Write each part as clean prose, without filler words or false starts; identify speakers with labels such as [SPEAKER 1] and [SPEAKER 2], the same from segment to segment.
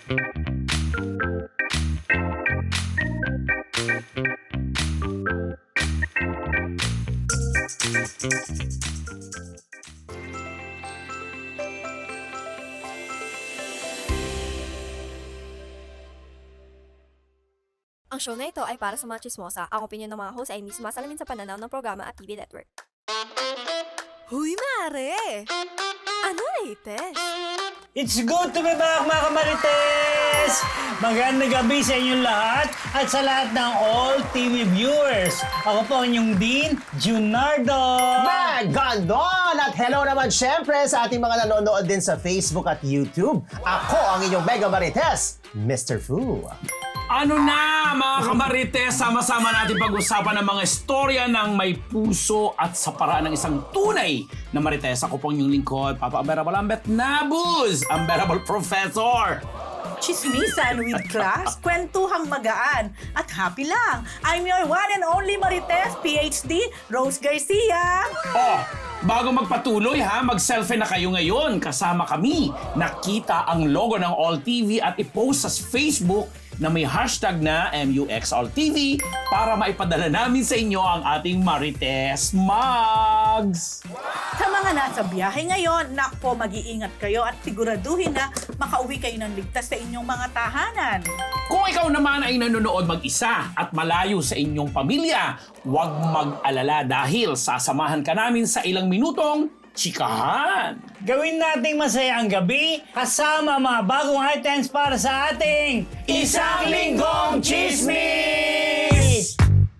[SPEAKER 1] Ang show na ito ay para sa mga chismosa. Ang opinion ng mga host ay hindi sumasalamin sa pananaw ng programa at TV network. Huy, Mare! Ano latest?
[SPEAKER 2] It's good to be back, mga kamarites! Magandang gabi sa inyong lahat at sa lahat ng all TV viewers. Ako po ang inyong Dean Junardo.
[SPEAKER 3] Magandang! At hello naman syempre sa ating mga nanonood din sa Facebook at YouTube. Ako ang inyong Mega Marites, Mr. Fu.
[SPEAKER 4] Ano na mga kamarites, sama-sama natin pag-usapan ng mga istorya ng may puso at sa paraan ng isang tunay na marites. Ako po ang inyong lingkod, Papa Unbearable Ambet Nabuz, Unbearable Professor.
[SPEAKER 5] Chismisan with class, kwentuhang magaan, at happy lang. I'm your one and only Marites, PhD, Rose Garcia.
[SPEAKER 4] Oh, bago magpatuloy ha, mag-selfie na kayo ngayon. Kasama kami. Nakita ang logo ng All TV at i-post sa Facebook na may hashtag na MUXAllTV para maipadala namin sa inyo ang ating Marites Mugs.
[SPEAKER 5] Sa mga nasa biyahe ngayon, nakpo, mag-iingat kayo at siguraduhin na makauwi kayo ng ligtas sa inyong mga tahanan.
[SPEAKER 4] Kung ikaw naman ay nanonood mag-isa at malayo sa inyong pamilya, huwag mag-alala dahil sasamahan ka namin sa ilang minutong chikahan.
[SPEAKER 2] Gawin nating masaya ang gabi kasama mga bagong items para sa ating Isang Linggong Chismis!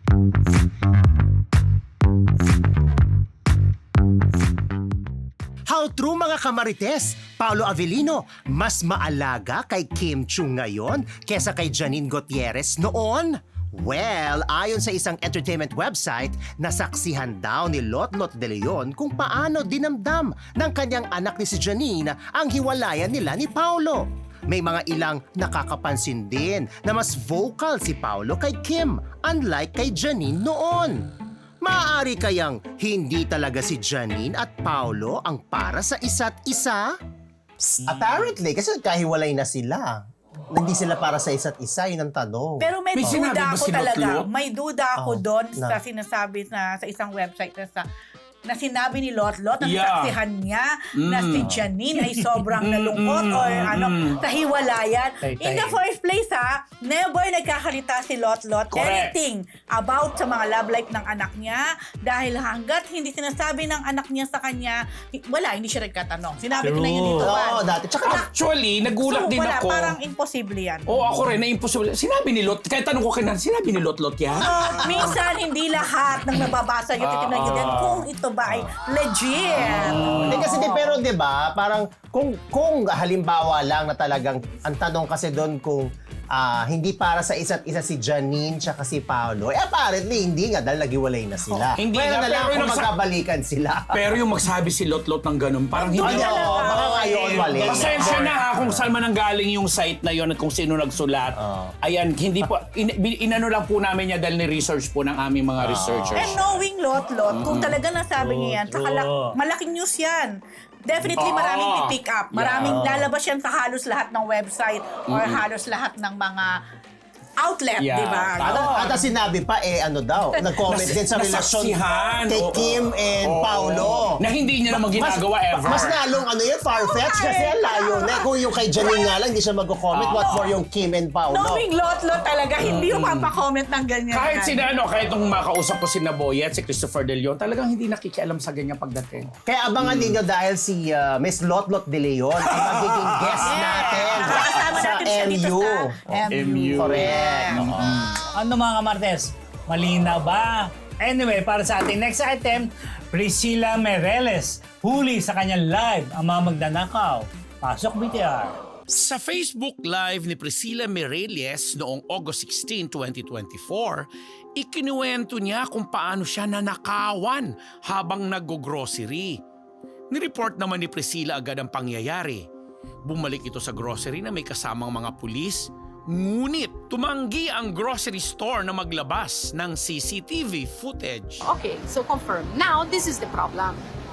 [SPEAKER 3] How true mga kamarites! Paolo Avellino, mas maalaga kay Kim Chiu ngayon kesa kay Janine Gutierrez noon? Well, ayon sa isang entertainment website, nasaksihan daw ni Lotlot De Leon kung paano dinamdam ng kanyang anak ni si Janine ang hiwalayan nila ni Paolo. May mga ilang nakakapansin din na mas vocal si Paolo kay Kim, unlike kay Janine noon. Maaari kayang hindi talaga si Janine at Paolo ang para sa isa't isa? Apparently, kasi nagkahiwalay na sila. Hindi sila para sa isa't isa, yun ang tanong.
[SPEAKER 5] Pero may
[SPEAKER 4] May sinabi
[SPEAKER 5] duda
[SPEAKER 4] ba
[SPEAKER 5] ako
[SPEAKER 4] si
[SPEAKER 5] talaga.
[SPEAKER 4] Lotlot?
[SPEAKER 5] May duda ako doon
[SPEAKER 3] na.
[SPEAKER 5] sa sinasabi na sa isang website na sinabi ni Lotlot na
[SPEAKER 4] Yeah.
[SPEAKER 5] saksihan niya na si Janine ay sobrang nalungkot or sa hiwalayan.
[SPEAKER 2] Tay-tay.
[SPEAKER 5] In the first place never nagkakalita si Lotlot
[SPEAKER 4] Correct.
[SPEAKER 5] anything about sa mga love life ng anak niya dahil hanggat hindi sinasabi ng anak niya sa kanya, hindi siya nagkatanong. Sinabi ko na yun dito.
[SPEAKER 3] Oo, dati. Tsaka
[SPEAKER 4] Actually, nagulat din
[SPEAKER 5] wala,
[SPEAKER 4] ako.
[SPEAKER 5] parang imposible yan.
[SPEAKER 4] Oo, ako rin, na-impossible. Sinabi ni Lot, kahit tanong ko kay sinabi ni Lotlot yan?
[SPEAKER 5] Minsan, hindi lahat ng nababasa nyo, titignan nyo din kung ito ba ay legit.
[SPEAKER 3] Hindi kasi pero 'di ba, parang kung halimbawa lang na talagang ang tanong kasi doon kung hindi para sa isa't isa si Janine tsaka si Paolo. Apparently hindi nga dahil naghiwalay na sila.
[SPEAKER 4] Hindi
[SPEAKER 3] Kaya
[SPEAKER 4] nga,
[SPEAKER 3] na lang
[SPEAKER 4] pero
[SPEAKER 3] kung
[SPEAKER 4] yung
[SPEAKER 3] magkabalikan sila.
[SPEAKER 4] Pero yung magsabi si Lotlot ng ganun, parang hindi
[SPEAKER 3] Ano,
[SPEAKER 5] talaga.
[SPEAKER 3] baka ngayon mali.
[SPEAKER 4] Pasensya na ha kung saan man ang galing yung site na yon at kung sino nagsulat. Ayan, hindi po, inano lang po namin niya dahil ni-research po ng aming mga researchers.
[SPEAKER 5] And knowing Lotlot, kung talaga nasabi niya yan, saka malaking news yan. Definitely maraming pick up. Maraming lalabas yan sa halos lahat ng website or halos lahat ng mga outlet,
[SPEAKER 4] Yeah.
[SPEAKER 5] di ba?
[SPEAKER 3] At sinabi pa nag-comment din sa relasyon
[SPEAKER 4] Nasaksihan,
[SPEAKER 3] kay
[SPEAKER 4] oo.
[SPEAKER 3] Kim and
[SPEAKER 4] Oo.
[SPEAKER 3] Paolo.
[SPEAKER 4] Na hindi niya naman ginagawa ever.
[SPEAKER 3] Mas lalong far-fetched kasi ang layo na. Kung yung kay Janine nga lang, hindi siya mag-comment. What more yung Kim and Paolo?
[SPEAKER 5] Knowing Lotlot talaga, hindi yung mapapa-comment ng ganyan.
[SPEAKER 4] Kahit kahit nung makausap ko si Naboyet, si Christopher De Leon, talagang hindi nakikialam sa ganyang pagdating.
[SPEAKER 3] Kaya abangan ninyo dahil si Miss Lotlot De Leon ay magiging guest natin
[SPEAKER 5] Kasama
[SPEAKER 3] sa
[SPEAKER 5] natin siya dito
[SPEAKER 3] MU.
[SPEAKER 5] sa MU.
[SPEAKER 3] Correct.
[SPEAKER 2] Ano mga kamartes? Malinaw ba? Anyway, para sa ating next item, Priscilla Meirelles huli sa kanyang live ang mga magnanakaw. Pasok BTR.
[SPEAKER 4] Sa Facebook Live ni Priscilla Meirelles noong August 16, 2024, ikinuwento niya kung paano siya nanakawan habang nag-grocery. Nireport naman ni Priscilla agad ang pangyayari. Bumalik ito sa grocery na may kasamang mga pulis, ngunit tumanggi ang grocery store na maglabas ng CCTV footage.
[SPEAKER 6] Okay, so confirm. Now, this is the problem.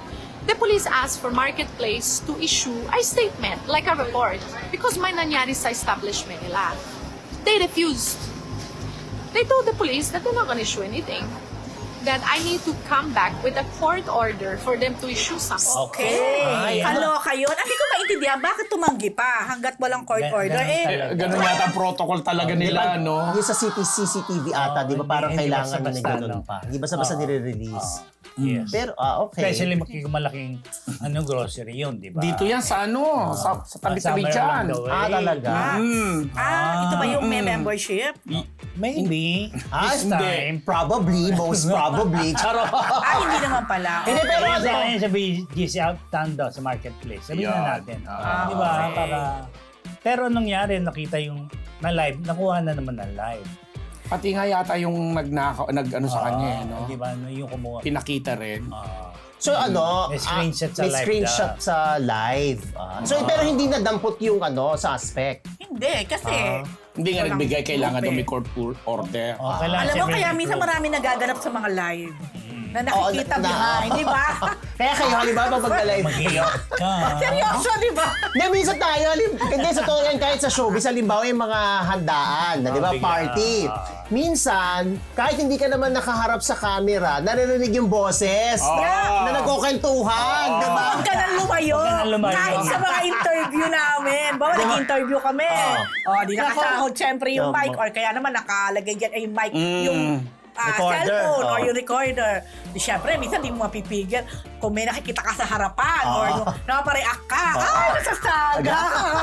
[SPEAKER 6] the police asked for Marketplace to issue a statement, like a report, because may nangyari sa establishment nila. They refused. They told the police that they're not gonna issue anything. That I need to come back with a court order for them to issue something.
[SPEAKER 5] Okay.
[SPEAKER 2] Ay,
[SPEAKER 5] Kaloka yun. Hindi ko maintindihan, bakit tumanggi pa hanggat walang court order?
[SPEAKER 4] Ganun yata ang protocol talaga nila, no?
[SPEAKER 3] Yung sa CCTV ata, di ba parang
[SPEAKER 2] hindi
[SPEAKER 3] kailangan na
[SPEAKER 2] basta-basta,
[SPEAKER 3] ganun
[SPEAKER 2] no?
[SPEAKER 3] pa. Hindi basta-basta nire-release.
[SPEAKER 2] Yes.
[SPEAKER 3] Pero, okay.
[SPEAKER 2] Especially malaking grocery yun, di ba?
[SPEAKER 4] Dito yan sa ano, sa tabi-tabi
[SPEAKER 2] Somewhere
[SPEAKER 4] dyan.
[SPEAKER 2] along the way.
[SPEAKER 3] Talaga?
[SPEAKER 5] Ito ba yung may membership?
[SPEAKER 2] Maybe. This
[SPEAKER 3] Hindi.
[SPEAKER 2] time.
[SPEAKER 3] Probably, most probably. Charot.
[SPEAKER 5] Hindi naman pala.
[SPEAKER 3] Hindi, pero
[SPEAKER 2] Pero sa
[SPEAKER 3] ano?
[SPEAKER 2] akin sa GC Outtown daw, sa marketplace. Sabihin na natin. Di ba?
[SPEAKER 5] okay.
[SPEAKER 2] Pero anong nangyari, nakita yung na live, nakuha na naman ng live.
[SPEAKER 4] Pati nga yata yung nag-ano sa kanya, no?
[SPEAKER 2] Di ba? Yung kumuha.
[SPEAKER 4] Pinakita rin.
[SPEAKER 3] So ano,
[SPEAKER 2] May screenshot sa
[SPEAKER 3] may
[SPEAKER 2] live
[SPEAKER 3] screenshot
[SPEAKER 2] na.
[SPEAKER 3] sa live. So pero hindi nadampot yung suspect.
[SPEAKER 5] Hindi, kasi...
[SPEAKER 4] Hindi nga
[SPEAKER 5] walang
[SPEAKER 4] nagbigay, kailangan
[SPEAKER 5] proof
[SPEAKER 4] daw may court order.
[SPEAKER 2] Kailangan
[SPEAKER 5] Alam mo,
[SPEAKER 2] siyempre
[SPEAKER 5] kaya
[SPEAKER 2] may
[SPEAKER 5] minsan
[SPEAKER 2] proof.
[SPEAKER 5] marami nagaganap sa mga live. Na nakikita
[SPEAKER 3] Oo,
[SPEAKER 5] behind, di ba?
[SPEAKER 3] Kaya kayo, halimbawa pag mag-live.
[SPEAKER 2] Mag-iyak ka.
[SPEAKER 5] Seryoso, di ba?
[SPEAKER 3] Hindi, minsan tayo, hindi sa totoo yan, kahit sa showbiz, halimbawa yung mga handaan, na, di ba,
[SPEAKER 2] bigla.
[SPEAKER 3] party. Minsan, kahit hindi ka naman nakaharap sa camera, naririnig yung boses na nagkukentuhan, di ba?
[SPEAKER 5] Huwag ka nang lumayo.
[SPEAKER 2] Huwag ka nang lumayo.
[SPEAKER 5] Kahit sa mga interview namin. Bawa nag-interview kami. Di nakasahod syempre yung mic or kaya naman nakalagay dyan ay yung mic, yung
[SPEAKER 3] Recorder.
[SPEAKER 5] cellphone or yung recorder. Di syempre, minsan di mo mapipigil kung may nakikita ka sa harapan or yung napareact ka. Ay, nasasaga!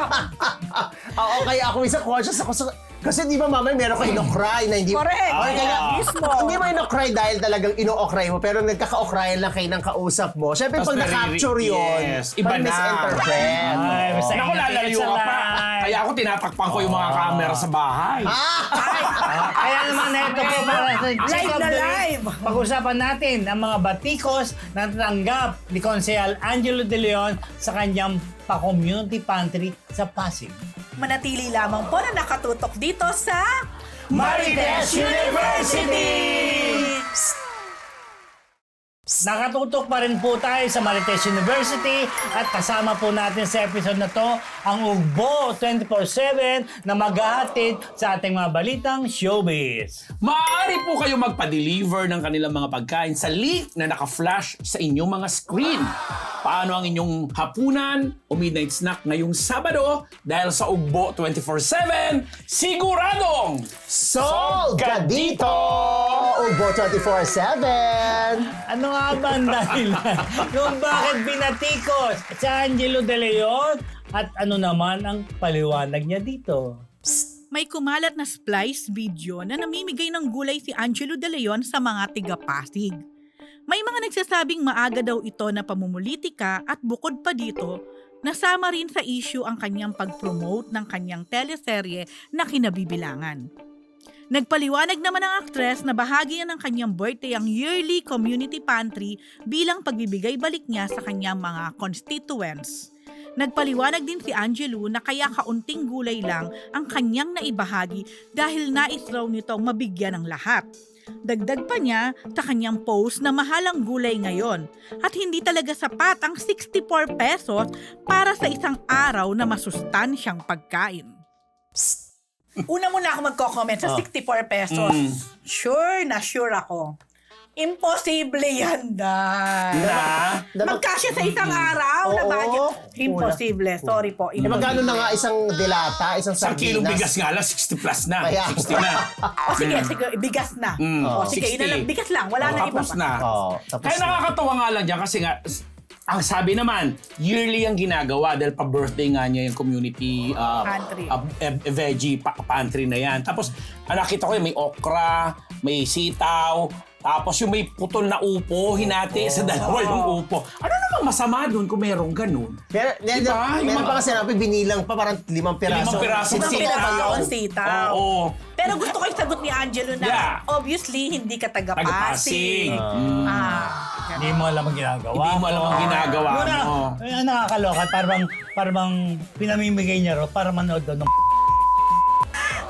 [SPEAKER 3] Oo, kaya ako minsan conscious ako sa... Kasi di ba mamay meron ka ino-cry na hindi...
[SPEAKER 5] Correct.
[SPEAKER 3] Or kaya,
[SPEAKER 5] Mismo.
[SPEAKER 3] Hindi mo ino-cry dahil talagang ino-cry mo, pero nagkaka-ocryan lang kayo ng kausap mo. Siyempre,
[SPEAKER 4] Tapos
[SPEAKER 3] pag na-capture yun,
[SPEAKER 4] yes, iba na.
[SPEAKER 3] misinterpret.
[SPEAKER 2] Ay, basta
[SPEAKER 4] Naku, lalayo ka pa. Kaya ako tinatakpan ko yung mga camera sa bahay.
[SPEAKER 2] Kaya naman na ito po para sa
[SPEAKER 5] Live na live.
[SPEAKER 2] Pag-usapan natin ang mga batikos na natanggap ni Konsehal Angelo De Leon sa kanyang pa-community pantry sa Pasig.
[SPEAKER 5] Manatili lamang po na nakatutok dito sa
[SPEAKER 2] Marites University! Nakatutok pa rin po tayo sa Marites University at kasama po natin sa episode na to ang Ugbo 24/7 na maghahatid sa ating mga balitang showbiz.
[SPEAKER 4] Maaari po kayo magpa-deliver ng kanilang mga pagkain sa link na naka-flash sa inyong mga screen. Paano ang inyong hapunan o midnight snack ngayong Sabado dahil sa Ugbo 24/7, siguradong
[SPEAKER 3] Sold ka dito! Ugbo 24/7!
[SPEAKER 2] Ano nga ba ang dahilan kung bakit binatikos si Angelo De Leon at ano naman ang paliwanag niya dito?
[SPEAKER 5] May kumalat na splice video na namimigay ng gulay si Angelo De Leon sa mga tiga-Pasig. May mga nagsasabing maaga daw ito na pamumulitika at bukod pa dito, nasama rin sa issue ang kanyang pag-promote ng kanyang teleserye na Kinabibilangan. Nagpaliwanag naman ang aktres na bahagi ng kanyang birthday ang yearly community pantry bilang pagbibigay balik niya sa kanyang mga constituents. Nagpaliwanag din si Angelo na kaya kaunting gulay lang ang kanyang naibahagi dahil nais raw nitong mabigyan ng lahat. Dagdag pa niya sa kanyang post na mahalang gulay ngayon at hindi talaga sapat ang 64 pesos para sa isang araw na masustansyang pagkain. Una muna ako magko-comment sa 64 pesos. Sure na sure ako. Imposible yan, Dad. Magkasya sa isang araw na budget. Imposible. Sorry po.
[SPEAKER 3] Magkano na nga isang delata, isang
[SPEAKER 4] Isang kilong bigas
[SPEAKER 3] sardinas?
[SPEAKER 4] nga lang, 60 plus na.
[SPEAKER 3] Kaya.
[SPEAKER 4] 60 na.
[SPEAKER 5] O sige, bigas na. O sige,
[SPEAKER 4] 60.
[SPEAKER 5] bigas lang. Wala na iba
[SPEAKER 4] Tapos
[SPEAKER 5] pa.
[SPEAKER 4] na.
[SPEAKER 3] Tapos
[SPEAKER 4] Kaya
[SPEAKER 3] na.
[SPEAKER 4] nakakatawa nga lang dyan kasi nga, ang sabi naman, yearly ang ginagawa dahil pa-birthday nga niya yung community
[SPEAKER 5] Pantry.
[SPEAKER 4] veggie pantry na yan. Tapos, nakita ko yun, may okra, may sitaw, tapos yung may putol na upo, hinati sa dalawa yung upo. Ano namang masama doon kung merong ganun?
[SPEAKER 3] Pero,
[SPEAKER 4] Diba?
[SPEAKER 3] meron pa kasi sinabi, binilang pa parang 5 piraso.
[SPEAKER 4] 5 piraso
[SPEAKER 5] Isang
[SPEAKER 4] sitaw.
[SPEAKER 5] piraso yun, sitaw.
[SPEAKER 4] Oo.
[SPEAKER 5] Pero gusto ko yung sagot ni Angelo na
[SPEAKER 4] Yeah.
[SPEAKER 5] obviously hindi ka
[SPEAKER 4] Taga-Pasig.
[SPEAKER 5] taga-Pasig.
[SPEAKER 2] Hindi mo alam ang ginagawa.
[SPEAKER 4] Hindi mo alam ang ginagawa
[SPEAKER 2] Muna,
[SPEAKER 4] mo.
[SPEAKER 2] nakakaloka. Parang pinamimigay niya ro para manood doon ng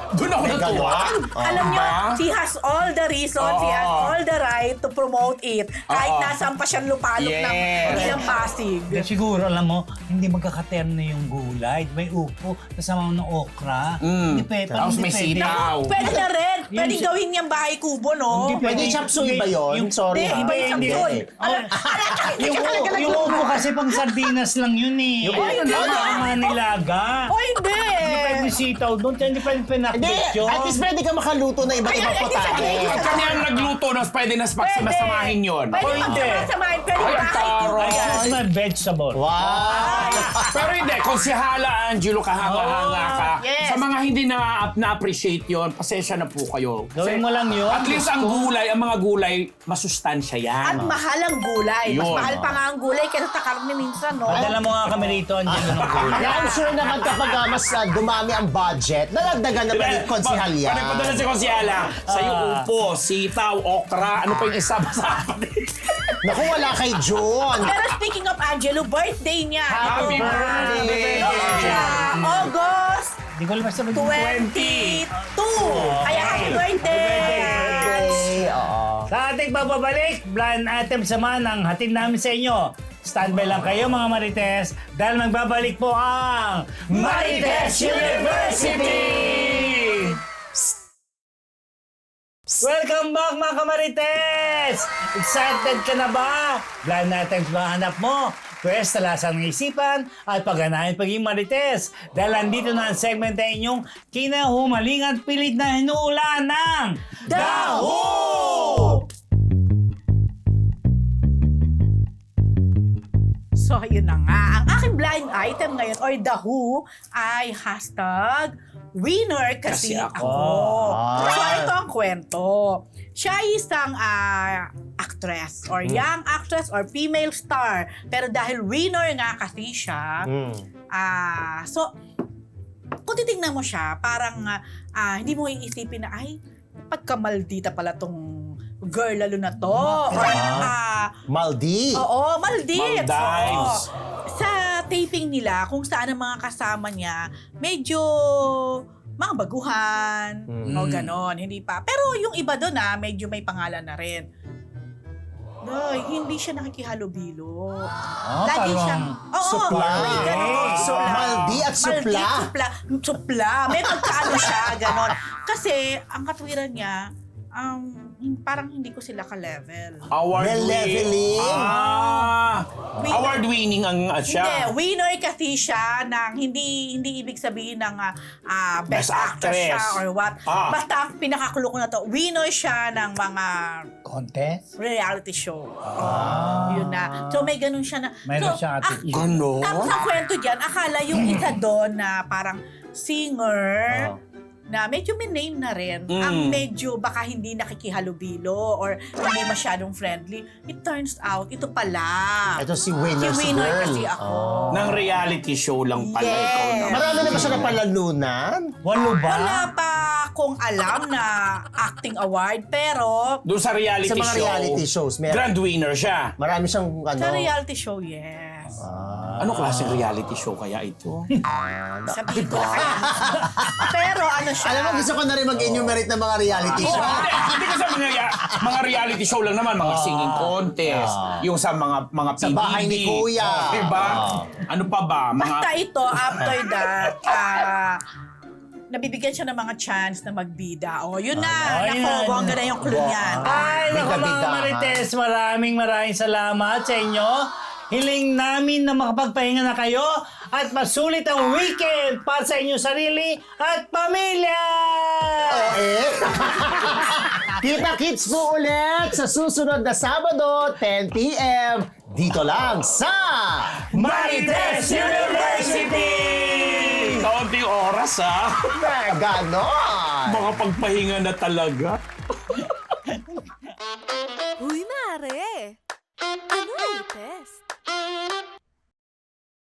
[SPEAKER 4] Doon ako natuwa.
[SPEAKER 5] Alam nyo, she has all the reason, she has all the right to promote it. Kahit nasaan pa siyang lupalok ng ilang Pasig.
[SPEAKER 2] Siguro, alam mo, hindi magkakaterno yung gulay. May upo, kasama mo ng okra. Hindi pwede.
[SPEAKER 4] Tapos may sitaw.
[SPEAKER 5] Pwede na rin.
[SPEAKER 2] Yung
[SPEAKER 5] Pwede
[SPEAKER 2] si-
[SPEAKER 5] gawin niyang bahay kubo, no?
[SPEAKER 2] Hindi
[SPEAKER 3] Pwede chop suey ba yun? Sorry.
[SPEAKER 5] Hindi, iba yung
[SPEAKER 2] Hindi.
[SPEAKER 5] chapsoy.
[SPEAKER 2] Yung upo kasi pang sardinas lang yun eh.
[SPEAKER 5] hindi.
[SPEAKER 2] Mga nilaga.
[SPEAKER 5] O hindi.
[SPEAKER 2] Hindi pwede sitaw doon, hindi pwede
[SPEAKER 3] Hindi,
[SPEAKER 2] pinakbit yun.
[SPEAKER 3] at least pwede ka makaluto na iba't ibang putahe.
[SPEAKER 4] Pag kami ang nagluto, nas pwede nas pagsimasamahin yun.
[SPEAKER 5] Pwede
[SPEAKER 2] hindi.
[SPEAKER 5] magsama-samahin. Pwede
[SPEAKER 4] Ay,
[SPEAKER 5] bahay
[SPEAKER 4] taro.
[SPEAKER 5] kubo
[SPEAKER 2] I
[SPEAKER 5] yan.
[SPEAKER 2] choose my vegetable.
[SPEAKER 3] Wow!
[SPEAKER 4] Pero hindi, kung si Hala Angelo kahanga-hanga ka,
[SPEAKER 5] yes.
[SPEAKER 4] sa mga hindi na-appreciate yon, pasensya na po kayo.
[SPEAKER 2] Gawin mo lang yun.
[SPEAKER 4] At least ang gulay, ang mga gulay, masustansya
[SPEAKER 5] At
[SPEAKER 4] yan.
[SPEAKER 5] mahal ang gulay. Mas
[SPEAKER 4] Yun.
[SPEAKER 5] mahal pa nga ang gulay kaysa sa karne minsan, no?
[SPEAKER 2] Padala mo nga kami rito, Angelo, ng gulay.
[SPEAKER 3] Kaya I'm sure naman kapag mas dumami ang budget, nalagdagan na ba yung konsihal yan?
[SPEAKER 4] Panipadala si Konsyala. Sa'yo upo, sitaw, okra, ano pa yung isa masama
[SPEAKER 3] Naku, wala kay John.
[SPEAKER 5] Pero speaking of Angelo, birthday niya.
[SPEAKER 4] Happy
[SPEAKER 5] Ito,
[SPEAKER 4] birthday!
[SPEAKER 5] August
[SPEAKER 2] Hindi ko lang sabihin.
[SPEAKER 5] 22. Kaya happy birthday!
[SPEAKER 2] Sa ating bababalik, blind items naman ang hatid namin sa inyo. Standby lang kayo mga Marites dahil magbabalik po ang Marites University! Welcome back mga kamarites! Excited ka na ba? Blind items ba hanap mo? Pwes, talasan ng isipan at pagganahin pagiging marites. Dahil andito na ang segment na inyong kinahumalingan pilit na hinuulan ng Daho!
[SPEAKER 5] So, yun na nga. Ang aking blind item ngayon, or the who, ay hashtag winner kasi
[SPEAKER 4] Kasi
[SPEAKER 5] ako.
[SPEAKER 2] ako.
[SPEAKER 5] So, ito ang kwento. Siya ay isang actress, or young actress, or female star. Pero dahil winner nga kasi siya, so, kung titignan mo siya, parang hindi mo iisipin na, ay, pagkamaldita pala tong girl lalo na to. Or,
[SPEAKER 3] Maldi.
[SPEAKER 5] oo, Maldives.
[SPEAKER 4] Maldives.
[SPEAKER 5] Oo. Sa taping nila, kung saan ang mga kasama niya, medyo mga baguhan, o ganon, hindi pa. Pero yung iba doon medyo may pangalan na rin. Ay, hindi siya nakikihalubilo. Lagi
[SPEAKER 2] parang
[SPEAKER 5] siyang, oo,
[SPEAKER 3] supla.
[SPEAKER 5] may ganon.
[SPEAKER 3] So, Maldi at supla.
[SPEAKER 5] Supla. May pagkaano siya, ganon. Kasi, ang katwiran niya, parang hindi ko sila ka-level.
[SPEAKER 3] Leveling.
[SPEAKER 4] Award-winning ang siya.
[SPEAKER 5] Hindi, winner kasi siya ng hindi ibig sabihin ng best
[SPEAKER 4] Best
[SPEAKER 5] actress siya
[SPEAKER 4] actress.
[SPEAKER 5] or what.
[SPEAKER 4] Ah.
[SPEAKER 5] Basta ang pinakakulo ko na to, winner siya ng mga
[SPEAKER 2] Contest?
[SPEAKER 5] reality show. Yun na. So may ganun siya na.
[SPEAKER 2] Mayroon
[SPEAKER 5] so,
[SPEAKER 2] siyang attitude.
[SPEAKER 4] Ganon?
[SPEAKER 5] Tapos ang kwento dyan, akala yung isa doon na parang singer, na medyo may name na rin, ang medyo baka hindi nakikihalubilo or hindi masyadong friendly. It turns out, ito pala.
[SPEAKER 3] Ito si winner,
[SPEAKER 5] Si
[SPEAKER 3] si
[SPEAKER 5] winner
[SPEAKER 3] girl.
[SPEAKER 5] kasi ako.
[SPEAKER 4] Ng reality show lang pala
[SPEAKER 5] Yes.
[SPEAKER 4] ikaw naman.
[SPEAKER 3] Marami na ba siya napalalunan?
[SPEAKER 2] Walo ba?
[SPEAKER 5] Wala pa akong alam na acting award, pero
[SPEAKER 4] Doon sa reality
[SPEAKER 3] Sa mga
[SPEAKER 4] show,
[SPEAKER 3] reality shows, meron.
[SPEAKER 4] grand winner siya.
[SPEAKER 3] Marami siyang
[SPEAKER 5] sa reality show, yes.
[SPEAKER 4] Ano klaseng reality show kaya ito?
[SPEAKER 5] Sabihin ko na kaya. Pero ano siya?
[SPEAKER 3] Alam mo, gusto ko na rin mag-enumerate ng mga reality show.
[SPEAKER 4] Hindi ko sa mga reality show lang naman, mga singing contest, yung sa mga
[SPEAKER 3] Sa
[SPEAKER 4] PBB.
[SPEAKER 3] bahay ni Kuya.
[SPEAKER 4] Diba? Ano pa ba?
[SPEAKER 5] Basta ito, after that, nabibigyan siya ng mga chance na magbida. O, yun na.
[SPEAKER 2] Ay,
[SPEAKER 5] Nako,
[SPEAKER 2] na.
[SPEAKER 5] bongga na yung clue niyan.
[SPEAKER 2] Ay, naku mga
[SPEAKER 3] Bida-bida,
[SPEAKER 2] Marites, maraming salamat sa inyo. Hiling namin na makapagpahinga na kayo at masulit ang weekend para sa inyong sarili at pamilya!
[SPEAKER 3] Kita-kits po ulit sa susunod na Sabado, 10 p.m. Dito lang sa
[SPEAKER 2] Marites University!
[SPEAKER 4] Kaunting oras
[SPEAKER 3] Ganon!
[SPEAKER 4] Mga pagpahinga na talaga.
[SPEAKER 1] Uy, mare! Ano latest?